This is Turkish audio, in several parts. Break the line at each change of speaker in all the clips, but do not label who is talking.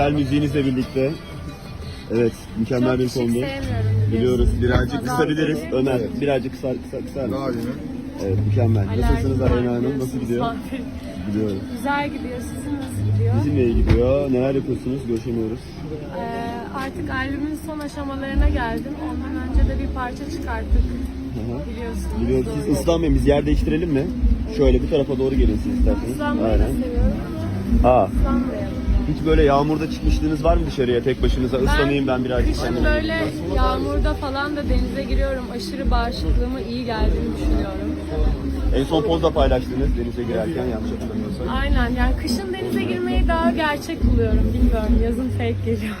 güzel müziğinizle birlikte. Evet, mükemmel bir
Çok
kondu.
sevmiyorum.
Biliyoruz, birazcık
Fazla
kısabiliriz.
değil.
Ömer,
Evet.
birazcık kısar
Daha iyi mi?
Evet, mükemmel.
Alerjim
Nasılsınız
var
Aleyna Hanım?
biliyorsunuz.
Nasıl gidiyor? Gidiyorum.
Güzel gidiyor. Sizin nasıl gidiyor?
Bizim iyi gidiyor. Neler yapıyorsunuz? Görüşemiyoruz.
Artık albümün son aşamalarına geldim. Ondan önce de bir parça çıkarttık. Biliyorsunuz.
Biliyoruz.
doğru.
Siz ıslanmayın. Biz yerde değiştirelim mi? Şöyle bu tarafa doğru gelin siz isterseniz.
Islanmayı da seviyorum ama ıslanmayalım.
Hiç böyle yağmurda çıkmışlığınız var mı dışarıya tek başınıza? Islanayım ben birazcık
Kışın
kendime.
böyle yağmurda falan da denize giriyorum. Aşırı bağışıklığıma iyi geldiğini düşünüyorum.
En son pozda paylaştınız denize girerken yanlış hatırlamıyorsam.
Aynen, yani kışın denize girmeyi daha gerçek buluyorum. Bilmiyorum, yazın fake geliyor.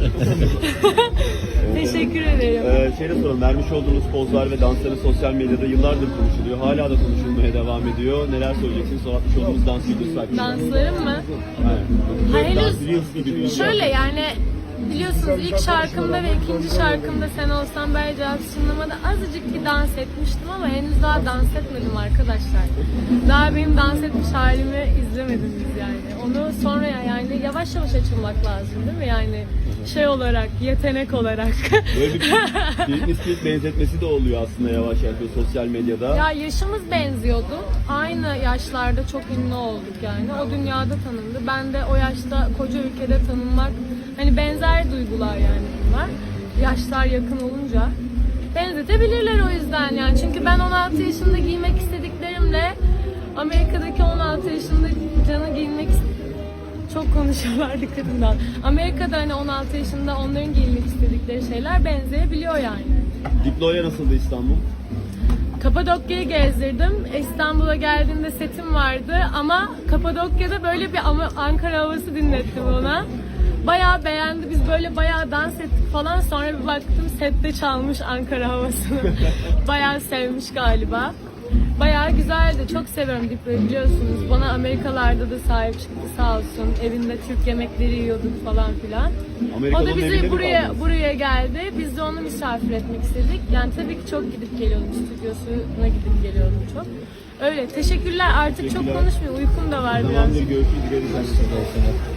Teşekkür ederim.
Şeyde soralım, vermiş olduğunuz pozlar ve dansları sosyal medyada yıllardır konuşuluyor. Hala da konuşulmaya devam ediyor. Neler söyleyeceksiniz? Son atmış olduğunuz dans videosu hakkında.
Danslarım mı?
Aynen.
Ha,
Dans Reels gibi bir şey.
Şöyle yani biliyorsunuz ilk şarkımda ve ikinci şarkımda Sen Olsan Bel Cevap Sunlama'da azıcık bir dans etmiştim ama henüz daha dans etmedim arkadaşlar. Daha benim dans etmiş halimi izlemediniz yani. Onu sonra yani yavaş yavaş açılmak lazım değil mi? Yani şey olarak, yetenek olarak.
Böyle bir Britney Spears benzetmesi de oluyor aslında yavaş yavaş sosyal medyada.
Ya yaşımız benziyordu. Aynı yaşlarda çok ünlü olduk yani. O dünyada tanındı. Ben de o yaşta koca ülkede tanınmak, hani benzer duygular yani bunlar. Yaşlar yakın olunca benzetebilirler o yüzden yani. Çünkü ben 16 yaşında giymek istediklerimle Amerika'daki 16 yaşında Can'ı giyinmek çok konuşuyorlar dikkatinden. Amerika'da hani 16 yaşında onların giyinmek istedikleri şeyler benzeyebiliyor yani.
Diplo'ya nasıldı İstanbul?
Kapadokya'yı gezdirdim. İstanbul'a geldiğimde setim vardı ama Kapadokya'da böyle bir Ankara havası dinlettim ona. Bayağı beğendi. Biz böyle bayağı dans ettik falan. Sonra bir baktım sette çalmış Ankara havasını. Bayağı sevmiş galiba. Bayağı güzeldi. Çok seviyorum Diplo'yu biliyorsunuz. Bana Amerikalarda da sahip çıktı sağ olsun. Evinde Türk yemekleri yiyorduk falan filan.
Amerika'da
O da
onun evinde
bizi
mi kaldınız?
buraya geldi. Biz de onu misafir etmek istedik. Yani tabii ki çok gidip geliyordum. Stüdyosuna gidip geliyordum çok. Öyle. Teşekkürler. Artık çok konuşmuyor. Uykum da var biraz.
Tamamdır, görüşürüz. Görüşürüz.